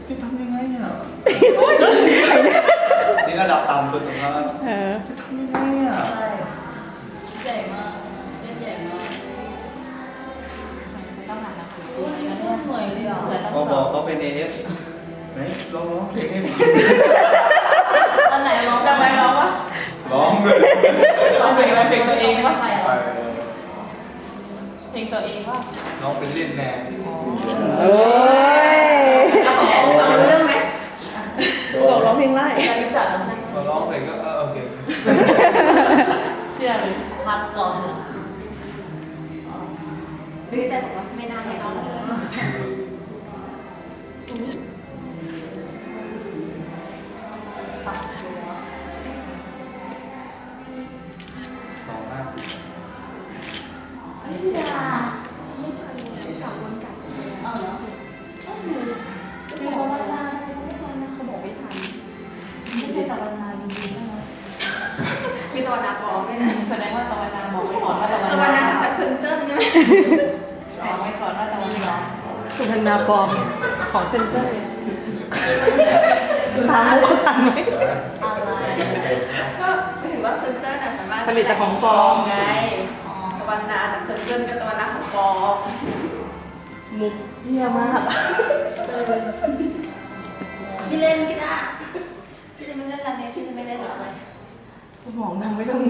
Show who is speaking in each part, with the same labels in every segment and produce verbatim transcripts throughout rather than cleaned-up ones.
Speaker 1: จะทำยังไงอ่ะนี่ระดับต่ำสุดของเขาจะทำยังไงอ่ะ
Speaker 2: ใช่ใหญ่มากเล่นใหญ่มากต้องหาหนังสือตัวนี้มันเหนื่อยเลยอ่ะ
Speaker 1: ก็บอกเขาเป็นเอฟไหนลองร้องเพลงให้ฟัง
Speaker 2: อันไหนร้อง
Speaker 3: ทำไมร้องวะ
Speaker 1: ร้องเลย
Speaker 3: ร้องเพลงอะไรเพลงตัวเองวะ
Speaker 2: ไป
Speaker 1: ไป
Speaker 3: เพลงตัวเองวะ
Speaker 1: น้องเป็นเล่นแน่
Speaker 4: โอ้ย
Speaker 2: ฟังเรื่องไหม
Speaker 4: บอกร้องเพลงไล่
Speaker 2: เรารู้จักแล้วนะ
Speaker 1: พอร้องเสร็จก็เออโอเค
Speaker 3: เชื่อเลย
Speaker 2: พักก่อนนึกใจบอกว่าไม่น่าให้น้องเลยตรงนี้ปักตัว
Speaker 1: สองห้าสิบ
Speaker 2: นี่จ้าไม่ทันกลับวันกลับเอาเหรอมีคนว่าหน้าไม่ทันนะเขาบอกไม่ทันไม่ใช่ตะวันนาจริงๆนะมีตะวันนาปลอมด้วยนะ
Speaker 3: แสดงว่าตะวันนาบอกไว้ก่อนว่าตะวัน
Speaker 2: ตะวันนา
Speaker 3: นา
Speaker 2: ทำจากเซนเจิ้นใช่ไหม
Speaker 3: บอกไว้ก่อนว่าตะวันนา
Speaker 4: สุพรรณาปลอมของเซนเซอร์ถามมุกเขาทันไหม
Speaker 2: อะไรก็ไม่ถือว่าเซนเจิ้นอะสามารถ
Speaker 4: ผลิตแต่ของปลอม
Speaker 2: ไงตะวันนาจากเซนเจิ้นกับตะวันนาของปลอม
Speaker 4: มุกเยี่ยมาก
Speaker 2: พี่เล่นพี่ได้พี่จะไม่เล่นอะไรพี่จะไม่เล่นอะไร
Speaker 3: สมองนางไม่ต้อง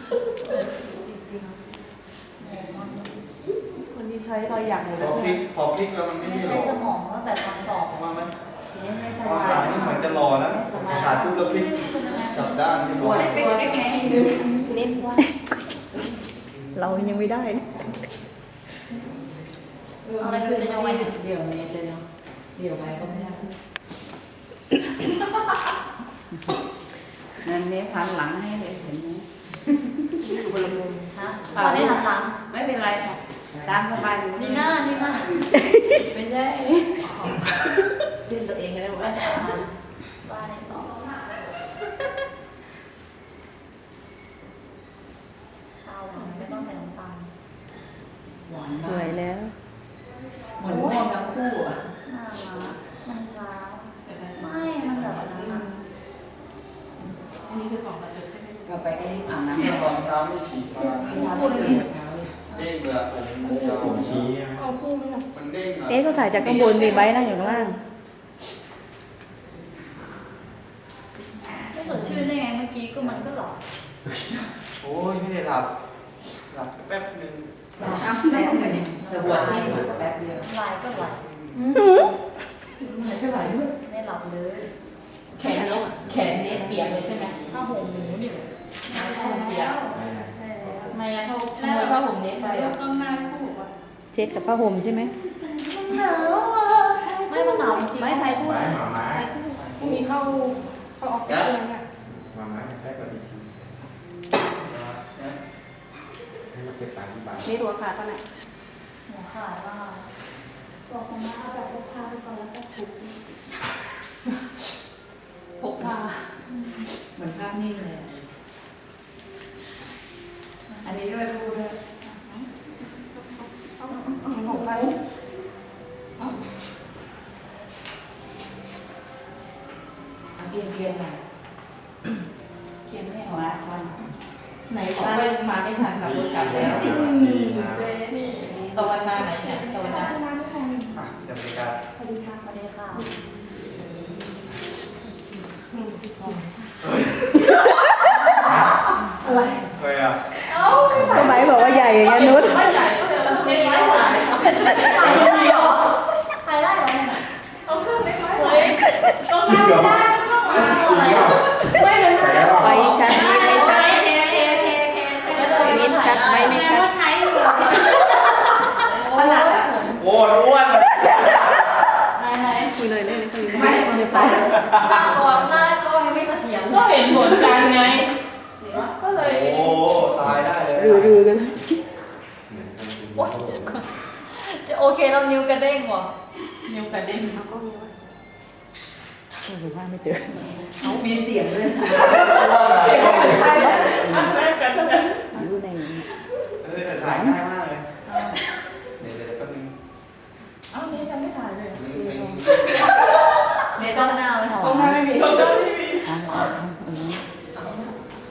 Speaker 4: คนที่ใช้รอยหยักหมด
Speaker 1: พ
Speaker 4: แล้
Speaker 1: อ
Speaker 4: ว
Speaker 1: พ
Speaker 4: ใช่
Speaker 1: ลิ
Speaker 4: ไหม
Speaker 1: กพอพลิกแล้วมันไม่
Speaker 2: ไม่
Speaker 1: ได้หร
Speaker 2: ใช้
Speaker 1: อก
Speaker 2: สมองตั้งแต่ตอนสอบ
Speaker 1: เพราะว่ามัน
Speaker 2: ไม่ไม่
Speaker 1: ตอนสายนี่เหมือนจะรอแล้วขาดทุบแล้วพลิกกลับด้านที่บ
Speaker 2: ตั
Speaker 1: อ
Speaker 2: ว
Speaker 1: ก
Speaker 2: ได้เป็นได้ไงเล่นว่า
Speaker 4: เรายังไม่ได้นะ
Speaker 2: อะไรคือจะยังไงเดี๋ยวนี้เลยเนาะเดี๋ยวไปก็ไม่ได้
Speaker 5: นั่นเนี่ยพันหลังให้เลยเห็นไหม
Speaker 2: อยู่บนลำมุมฮะตอนนี้หันหลัง
Speaker 5: ไม่เป็นไรค่ะตามสบายอยู่
Speaker 2: นี่หน้านี่หน้าเป็นไง
Speaker 3: เล่นตัวเองกันได้หมดเลย
Speaker 2: บ้านนี่ต่อข้าวไม่ต้องใส่น้ำตาล
Speaker 5: หวาน
Speaker 4: ส
Speaker 5: มา
Speaker 4: วย
Speaker 5: ก
Speaker 4: แล้ว
Speaker 5: เหมือนม่วงทั้งคู่อ่ะ
Speaker 2: น่ารักมันเช้าไม่มันแบบนั้น
Speaker 3: อันนี้คือสองกระจุกใช่ไหม
Speaker 5: ก็ไปก็รีบอาบน้ำ
Speaker 1: ตอนเช้าไม่ฉีดมา
Speaker 5: ไม่ช้าต้องตื่นเช้า
Speaker 1: เด้งเลยผมผมชี้
Speaker 4: เอาคู่ไหมล่ะ
Speaker 1: มันเด้งอ่ะ
Speaker 4: เอ๊ะเขาถ่ายจากข้างบนมีไบค์นั่งอยู่ข้างล่าง
Speaker 2: ไม่สดชื่นได้ไงเมื่อกี้ก็มันก็หลับ
Speaker 1: โอ้ยไม่ได้หลับหลับแป๊บนึง
Speaker 5: อ้าวแป๊บหนึ่งแต่หัวที่แป๊บเดียว
Speaker 2: ลายก็ไหล
Speaker 3: ไหนเท่าไหร่ด้วย
Speaker 2: ไม่หลับเลย
Speaker 3: แขนเนี้ยแขนเนี้ยเปียกเลยใช่ไหม
Speaker 2: ถ้าห่มหมูนี่เลย
Speaker 3: ผ้าห่มเปียก
Speaker 2: ใช่แล้ว
Speaker 3: ทำไมอะเขาขโมยผ้าห่มเนี้ยไป
Speaker 2: แล้
Speaker 3: อ่ะ
Speaker 2: วก็หน้าก็บอกว่า
Speaker 4: เช็ดกับผ้าห่มใช่ไหม
Speaker 2: หนาวอ่ะไม่มันหนาวจริงๆ
Speaker 3: ไม่ไทยพูด
Speaker 1: ไม้หมาม้า
Speaker 3: พรุ่งนี้เข้าเข้าออฟฟิศเลยเนี่ย
Speaker 6: หมาม้าแค่กว่านี้ให้มาเก็บตังค์ที่บ้าน
Speaker 4: นี่ตัวขาดปะไหน
Speaker 2: หัวขาดว่าบอกมาม่าแบบพกพาไปก่อนแล้วก็ถูก
Speaker 3: พกพา
Speaker 5: เหมือนภาพนิ่งเลย อันนี้ด้วยพูดด้วย
Speaker 3: ของใคร
Speaker 5: เบียนเบียนหน่อย
Speaker 3: เขียนไม่
Speaker 5: หั
Speaker 3: เอา
Speaker 5: วควัน
Speaker 3: ไหนบอกว่ามาไม่ทันขับรถกลับแล้ว
Speaker 6: ดีนะ
Speaker 3: เจนี่ตะวันนาไหนเนี่ยตะวันนา
Speaker 1: อ่ะจะบริการ
Speaker 2: สวัสดีค่ะสวัสดีค่ะ
Speaker 3: อะไร
Speaker 1: เคยอ่ะ
Speaker 4: ทำไมบอกว่าใหญ่อย่างเงี้ยนุช
Speaker 3: ไม่ใหญ่ก็เลย
Speaker 2: ซัม
Speaker 3: เอา
Speaker 2: ซุง
Speaker 3: เล็ก
Speaker 2: มี
Speaker 3: ไว้
Speaker 2: ได้หม
Speaker 3: ก่อ
Speaker 2: ด
Speaker 3: น
Speaker 2: ถ่ายได้เหรอเนี่ย
Speaker 3: เอาเครื่องเล็กไว้เฮ้ยต้องทำไม่ได้ต้องทำ
Speaker 2: อะไรอ่ะ
Speaker 3: ไม่เลยนะ
Speaker 4: ไฟชัดไม่ไม่ชัด
Speaker 2: เทเทเทเทใช่เลย
Speaker 4: ไม่ชัดไม่ไม่ชัด
Speaker 2: ใช้อยู่ขนาดอ่ะ
Speaker 1: โอ้อ้วน
Speaker 2: ไหนไหน
Speaker 4: คุยเลยเลยคุยเลย
Speaker 2: ไม่
Speaker 4: ไม่
Speaker 2: ห
Speaker 4: ไป
Speaker 2: น้ากล้องหน้ากล้องยังไม่เสถียร
Speaker 3: ก็เห็นผลกันไง ก็เลย
Speaker 1: โอ้ตายได้เลย
Speaker 4: รือรือกัน
Speaker 6: เหมือนซัมซุง
Speaker 2: โอ๊ยจะโอเคแล้วนิ้วกระเด้งว่ะ
Speaker 3: นิ้วกระเด็น
Speaker 4: หรือว่าไม่เจอ
Speaker 5: เขามีเสียงด้วยนะ
Speaker 3: เสียงเหมือนใครนะอันแรกกันเท่านั้น
Speaker 4: รู้ใน
Speaker 1: เออแต่ถ่ายง่ายมากเลยเดี๋ยวเดี๋ยวแป๊บนึง
Speaker 3: เอ้านี่ยังไม่ถ่ายเลย
Speaker 1: นี่ใช้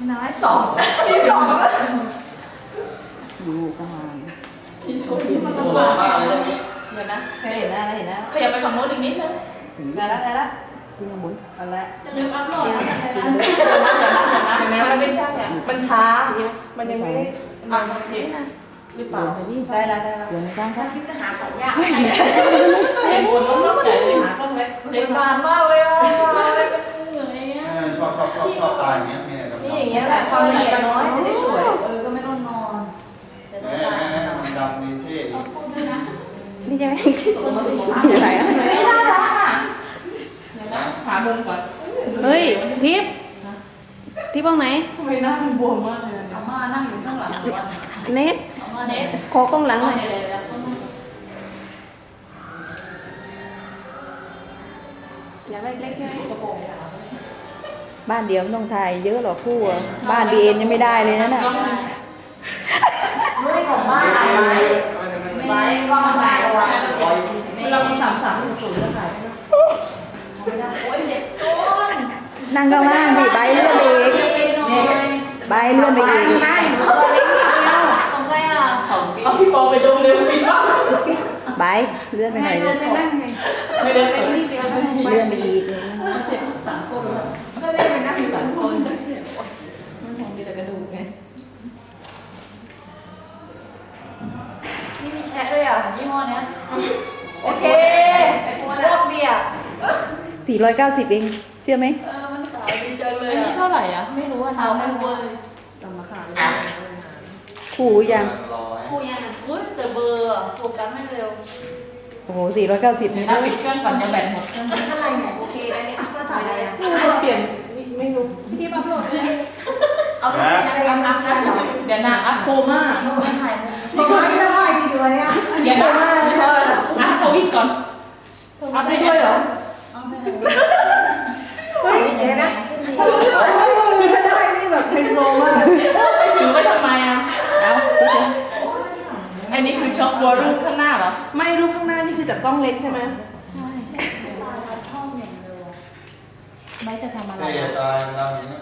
Speaker 3: นายสองมีสอง
Speaker 4: ดูประมาณ
Speaker 3: มีชุดมัน
Speaker 1: โอ้
Speaker 3: ลำ
Speaker 1: ร้อบ
Speaker 3: าน ก
Speaker 1: มากเลยตรงนี้
Speaker 3: เดี๋ยวนะเคยเห็นแล้วเห็นแล้วขยับไปฝั่งโน้นอีกนิดนึงได้ละได้ละ
Speaker 4: ที่ข้างบน
Speaker 3: เอาละ
Speaker 2: จะลืมอัพโหลดแล้วกันนะ
Speaker 3: เดี๋ยวนะเดี๋ยวนะเดี๋ยวนะเดี๋ยวนะมันไม่ใช่อ่ะมันช้ามันยังไม่ได้อ่ะโอเคหรือเปล่าได้ละได้ละ
Speaker 4: เดี๋ยวในกลางค
Speaker 2: ถ้า
Speaker 4: รับ
Speaker 2: ทิพย์จะหาของยาก
Speaker 3: เห็นบนล้มๆใหญ่เลยหาต้องเล็กเล็ก
Speaker 2: นานมากเลยอ่ะเหนื่อยอ่ะ
Speaker 1: ชอบชอบชอบชอบตายอย่างเงี้ยเนี่ย
Speaker 3: นี่อย่างเงี้ยแหละความละเอียดน้อยจะได้สวย
Speaker 2: เออก็ไม่ต้องนอนจะได้
Speaker 1: แม่
Speaker 2: ตาย
Speaker 1: แม่มันดำดีเท่ดี
Speaker 2: พูดด้วยนะ
Speaker 4: นี่ใช่ไหม
Speaker 3: ตกลงมาสิ
Speaker 4: อยู่ไหนอ่ะ
Speaker 3: นี่น่ารักอ่ะเดี๋ยวนะหามุมก่อน
Speaker 4: เฮ้ยทิพย์ทิพย์ห้องไหน
Speaker 3: ทำไมหน้ามันบวมมากเลย
Speaker 2: อาม่านั่งอยู่ข้างหลัง
Speaker 4: เน็ต
Speaker 2: อาม่า
Speaker 3: เน
Speaker 2: เนี่ย
Speaker 3: ส
Speaker 4: ขอกล้องหลังหน่อย
Speaker 3: เลยแล้ว
Speaker 4: อยากได้เล็กใช่ไหม
Speaker 3: กระโปรงยาว
Speaker 4: บ้านเดียวไม่ต้องถ่ายเยอะหรอกคู่อะบ้านบีเอ็นยังไม่ได้เลยนะน่ะ
Speaker 2: ไม่ได้ของบ้านอะไรไว้ก็มาถ่ายเอาไว้
Speaker 3: เรามีสามสามหนึ่งศูนย์จะถ่ายไหม
Speaker 2: โอ้ยเจ็บก้น
Speaker 4: นั่งข้างล่างสิใบเลื่อนไปอีก
Speaker 2: นี่
Speaker 4: ใบเลื่อนไปอีก
Speaker 2: ของใครอ่ะ
Speaker 3: เอาพี่ปอไปดูเร็วพี่ปอ
Speaker 4: ใบเลื่อนไปหน่อย
Speaker 2: เดิ
Speaker 4: เลย
Speaker 2: นไปนั่งไง
Speaker 3: ไม่ได้ไปนี่
Speaker 4: เลื่อนไปอีกเลย
Speaker 2: เจ็บสามคนเลย
Speaker 3: ก็เล่นไปนั่งสามคนมันมองมีแต่กระดูกไง
Speaker 2: นี่มีแชะด้วยอ่ะยี่ห้อเนี้ยโอเคโคตรดีอ่ะ
Speaker 4: สี่ร้อยเก้าสิบเองเชื่อไหม
Speaker 2: เออมันขายดีจังเลย
Speaker 3: อันนี้เท่าไหร่อ่ะไม่รู้ว่า
Speaker 2: เท้า
Speaker 3: เท้า
Speaker 2: ไม่
Speaker 3: ไม่
Speaker 2: เว
Speaker 3: เว
Speaker 2: อ
Speaker 3: อ
Speaker 2: ร์
Speaker 3: ร์จำมาขาย
Speaker 4: คู่ยัง
Speaker 1: ร้อย
Speaker 2: กูยังเฮ้ยแต่เบอร์อะโฟกัสไม่เร็ว
Speaker 4: โอ้โหสี่ร้อยเก้าสิบ
Speaker 3: เดี๋ย
Speaker 4: นี่
Speaker 3: วนะ
Speaker 4: นะ
Speaker 3: ปิดเครื่องก่อนจะแบตหมดเครื่อง
Speaker 2: เท่าไหร่เนี่ยโอเคได้ไหมก็ใส่อะไรอ่ะ
Speaker 3: ไม่รู้จะเปลี่ยนไม่รู้
Speaker 2: พี่ที่อัพโหลดเลยเอาที่อะไรอัพอัพได้เหรอ
Speaker 3: เดี๋ยวนะอัพโคม่า
Speaker 2: ไม่ถ่ายมุม
Speaker 3: นี่ก็ไม่ได้ดีด้วยเนี่ยเดี๋ยวนะนี่ก็อัพโควิดก่อนอัพได้ด้วยเหรอ
Speaker 2: เอาไปเลย
Speaker 3: เฮ้ยเดี๋ยวนะไม่ได้นี่แบบไฮโซมากถือไว้ทำไมอ่ะ
Speaker 4: เอ้า
Speaker 3: อันนี้คือช็อปตัวรูปข้างหน้าเหรอไม่รูปข้างหน้านี่คือจากกล้องเล็กใช่ไหม
Speaker 2: ใช่ชอบอย่างเดียว
Speaker 3: ไม่จะทำอะไร
Speaker 1: เท่ตายเราอย่างเงี้ย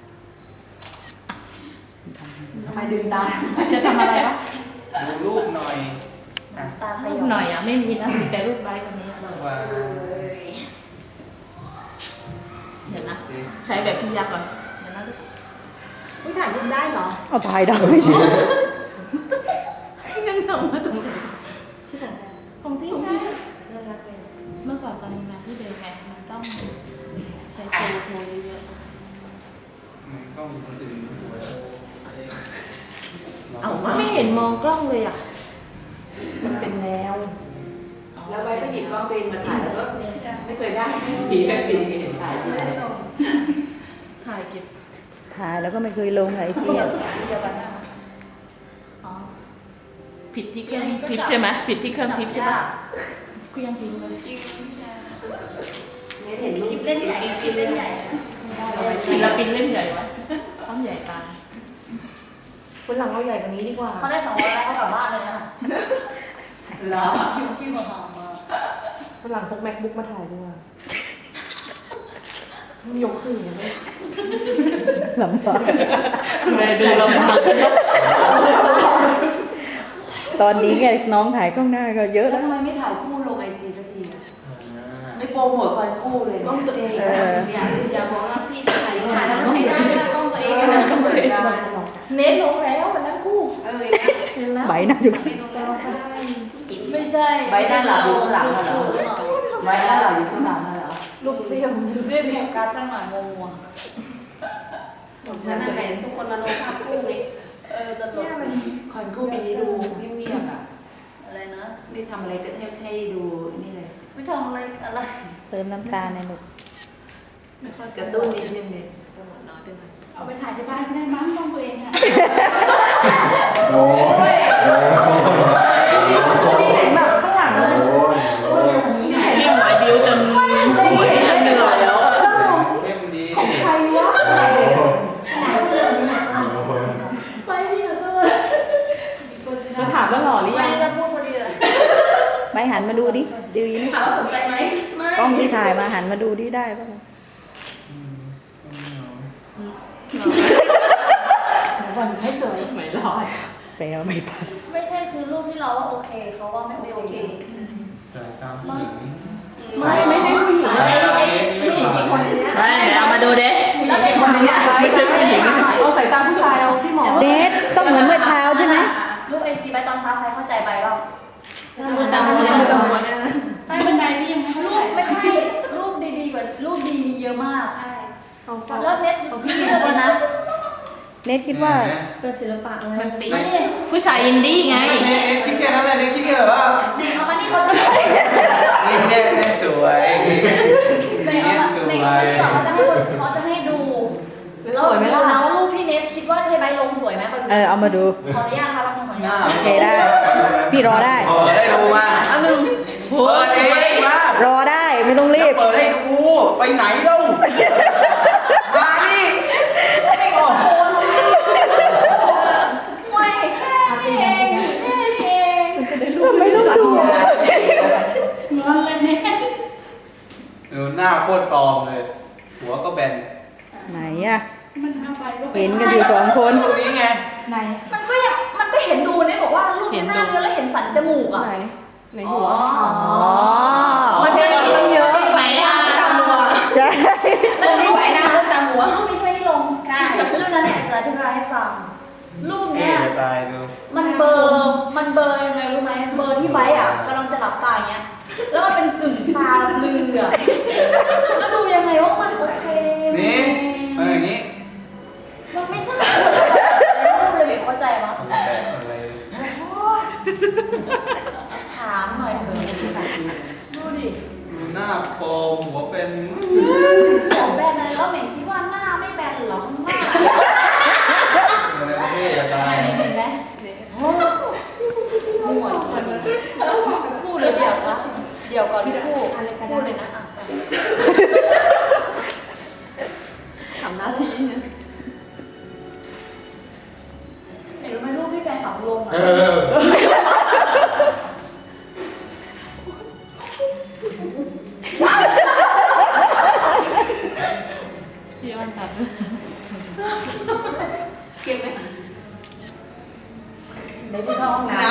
Speaker 2: ทำไมดึงตา
Speaker 3: จะทำอะไรวะ
Speaker 1: ดูรูปหน่อยอ่ะ
Speaker 2: ตาข
Speaker 3: รู
Speaker 2: ยั
Speaker 3: ป
Speaker 2: บ
Speaker 3: หน่อยอ่ะไม่มีนะมีแต่รูปไลค์คนนี้
Speaker 1: ว่า
Speaker 3: เดี๋ยวนะใช้แบบพี่ยักษ์ก่อนเดี๋ยวนะ
Speaker 2: ไม่ถ่ายรูปได้เหรอ
Speaker 4: เอาถ่ายได้
Speaker 3: งั้นเอามาตรงไหน
Speaker 2: ที่ไหน
Speaker 3: ของที่ไหน
Speaker 2: เรื่องรักเลย
Speaker 3: เมื่อก่อนตอนทำงานที่เดิมไงมันต้องใช้โทรโทรเยอะ
Speaker 1: มันกล้องคนอื่นสวย
Speaker 3: ๆเอามาไม่เห็นมองกล้องเลยอ่ะมันเป็นแนว
Speaker 5: แล้วใบก็หยิบกล้องตัวเองมาถ่ายแล้วก็ไม่เคยได้ผีกับผีเห็นถ่าย
Speaker 2: ไม่ได้ส่ง
Speaker 3: ถ่ายเก็บ
Speaker 4: ถ่ายแล้วก็ไม่เคยลงไอจีอะ
Speaker 2: เดียวกันนะอ๋อ
Speaker 3: ผิดที่เครื่องทิปใช่ไหมผิดที่เครื่องทิปใช่ปะกูยังทิ้งเลย
Speaker 2: จริง
Speaker 5: ไม่เห็นรู
Speaker 2: คลิ
Speaker 5: ป
Speaker 2: ปเล่นใหญ่คลิปเล่นใหญ่
Speaker 3: ศิลปินเล่นใหญ่วะต้องใหญ่ตาคนหลังเราใหญ่กว่านี้ดีกว่า
Speaker 2: เขาได้สองร้อยแล้วเขากลับบ้านเลยนะ
Speaker 3: เหรอ
Speaker 2: คิวคิวมาหอมมา
Speaker 3: คนหลังพก macbook มาถ่ายดีกว่ามันยกขึ้นอย่างนี้
Speaker 4: ลำบาก
Speaker 3: เลยดูลำบาก
Speaker 4: ตอนนี้ไงน้องถ่ายกล้องหน้าก็เยอะ
Speaker 5: แล้
Speaker 4: แล้ว ว
Speaker 5: ทำไมไม่ถ่ายคู่ลงไอจีสักทีอะ
Speaker 1: อ่า
Speaker 5: ไม่โปรโมทคอยคู่เลย
Speaker 3: ต้องตัวเอง
Speaker 4: เออ
Speaker 5: เนี่ยอย่าบอกว่าพี่ถ่าย
Speaker 2: ถ่ายแล้วก็ใช้ได้ไม่ต้องตัวเองนะ
Speaker 5: ก็เหมือนกัน
Speaker 3: เน้นลงแล้ววันนั้นคู่
Speaker 5: เออ
Speaker 4: ใบหน้าอยู่
Speaker 5: ไม่ลงแล้วก็ได้
Speaker 2: ไม่ใช่
Speaker 5: ใบหน้าหลังอยู่ข้างหลังเหรอ ไว้แล้วเราอยู่ข้างหลังน่ะเหรอ
Speaker 3: ลูกเสี่ยว
Speaker 2: เรียกโฟกัสสักหน่อยงง
Speaker 5: นั่นแหละทุกคนมาลงภาพคู่ไง
Speaker 2: เออตลก
Speaker 5: คอนคู่ปีนี้ดูเงียบๆอ่ะ
Speaker 2: อะไรนะ
Speaker 5: ไม่ทำอะไรก็ให้ให้ดูนี่เลย
Speaker 2: ไม่ทำอะไรอะไร
Speaker 4: เติมน้ำตาลในหนุก
Speaker 5: กระตุ้นนิดนึงเนี่ยโปรโมทน้อยไปหน่อย
Speaker 2: เอาไปถ่ายที่บ้านก็ได้มั้งต้องตัวเองค่ะ
Speaker 1: โอ้ยโอ้ย
Speaker 3: เห็นแบบข้างหลัง
Speaker 1: โอ้ย
Speaker 3: พี่หมายบิวจนหัวจะเหนื่อยแล้วอะ
Speaker 1: เอ็มดี
Speaker 3: ใครวะ
Speaker 2: ไปพี่ขอโทษ
Speaker 3: จะถามว่าหล่อหรือ
Speaker 2: ไป
Speaker 3: ยัง
Speaker 2: แล้วพูดพอดีเลย
Speaker 4: ใบหันมาดูดิดีไหม
Speaker 2: ถามว่าสนใจไหมไม่
Speaker 4: กล้องที่ถ่ายมาหันมาดูดิได้ป่ะ
Speaker 1: อืม
Speaker 2: วันไม่สวย
Speaker 3: ไม่รอด
Speaker 4: แปลว่าไม่ปัด
Speaker 2: ไม่ใช่คือรูปที่เราว่าโอเคเขาว่าไม่โอเค
Speaker 6: แต่ตามผู้หญิง
Speaker 3: ไม่ไม่ได้ผู้หญิง
Speaker 1: ไอ้ไอ้
Speaker 3: ผู้หญิงอีกคนนึง
Speaker 5: ไม่เอามาดูเด้
Speaker 3: แล้วเด็กคนนี้ไม่ใช่ผู้หญิงเอาสายตาผู้ชายเอาพี่หมอ
Speaker 4: เดทต้องเหมือนเมื่อเช้าใช่ไหม
Speaker 2: รูปไอจีใบตอนเช้าใครเข้าใจใบบ้าง
Speaker 3: มือตามมือมือตามมือเนี่ย
Speaker 2: ใต้บันไดพี่ยังไม่รูปไม่ใช่รูปดีๆกว่ารูปดีมีเยอะมากใช่แล้วเน็ตพี่เลือกนะ
Speaker 4: เนทคิดว่า
Speaker 2: เป็นศิลปะอะไร
Speaker 5: มันปี
Speaker 2: มานี่
Speaker 5: ผู้ชายอินดี้ไง
Speaker 1: เน็ตเน็ตคิดแค่นั้นแหละเน็ตคิดแค่แบบว่า
Speaker 2: เน็ตเอามานี่เขาจะ
Speaker 1: เน็ตเน็ตเน็ตสวย
Speaker 2: เน็ตเอามาเน็ตเอามานี่ก่อนเขาจะให้คนเขาจะให้ดูแล้วดูนะว่ารูปพี่เน็ตคิดว่าเทใบลงสวยไหมคน
Speaker 4: เออเอามาดู
Speaker 2: ขออนุญาตนะคะบางคนขออนุ
Speaker 1: ห
Speaker 2: ญา
Speaker 1: น้า
Speaker 2: ต
Speaker 4: โอเคได้ พี่รอได้
Speaker 1: เปิดให้ดูมา
Speaker 5: อันหนึ่ง
Speaker 1: เปิดเองมาร
Speaker 4: อได้ไม่ต้องรีบ
Speaker 1: เปิดให้ดูไปไหนเล่ามานี่โอ้โห
Speaker 2: ไม่แค่นี้เองแค่นี้เอง
Speaker 4: ไม่ต้องดู
Speaker 2: งอนเลยเนี่ย
Speaker 1: ดูหน้าโคตรปลอมเลย หัวก็แบน
Speaker 4: ไหนอะ
Speaker 2: มันทำไปลูก
Speaker 4: เห็นกันอยู่สองคน
Speaker 1: ตรงนี้ไง
Speaker 2: ไหนมันก็ยังมันก็เห็นดูเนี่ยบอกว่ารูปหน้าเนื้อแล้วเห็นสันจมูกอ่ะ
Speaker 3: ไหนไหนหัว
Speaker 4: อ๋อ
Speaker 5: มันจะมีตั้งเยอะไหมอ่ะตามหัว
Speaker 4: ใช่
Speaker 2: แล้วรูปไหนนะรูปตามหัวรูปนี้ใช่ไหมที่ลงใช่รูปนั้นเนี่ยจะอธิบายให้ฟังรูป
Speaker 1: เอ๊ะ
Speaker 2: เนี้ย
Speaker 1: จะตายดู
Speaker 2: มันเบลอร์มันเบลอร์ยังไงรู้ไหมเบลอร์ที่ไว้อ่ะกำลังจะหลับตาอย่างเงี้ยแล้วมันเป็นกึ่งตาเลือแล้วดูยังไงว่ามันโอเค
Speaker 1: นี่มาอย่างนี้
Speaker 2: มันไม่ใช่รูปเลยเบลเข้าใจมั้ย
Speaker 1: แต่อะไร
Speaker 2: ถามหน่อยเถอะดูดิ
Speaker 1: ดูหน้าโฟมหัวเป็น
Speaker 2: หัวแบนเลยแล้วเหม่งคิดว่าหน้าไม่แบนเหรอข้างหน้า
Speaker 1: อะไรเท่จะตาย
Speaker 2: เห็นไหมโอ้มั่วจริงคู่เลยเดี๋ยวนะเดี๋ยวก่อนคู่คู่เลยนะอ่ะ
Speaker 3: ทำหน้าที่
Speaker 2: เห็นรู้ไหมรูปที่แฟนขับลงอ่ะ
Speaker 1: เออ
Speaker 3: พี่อ้อนตัด
Speaker 5: เก็บไหม
Speaker 3: ในที่ห้องน้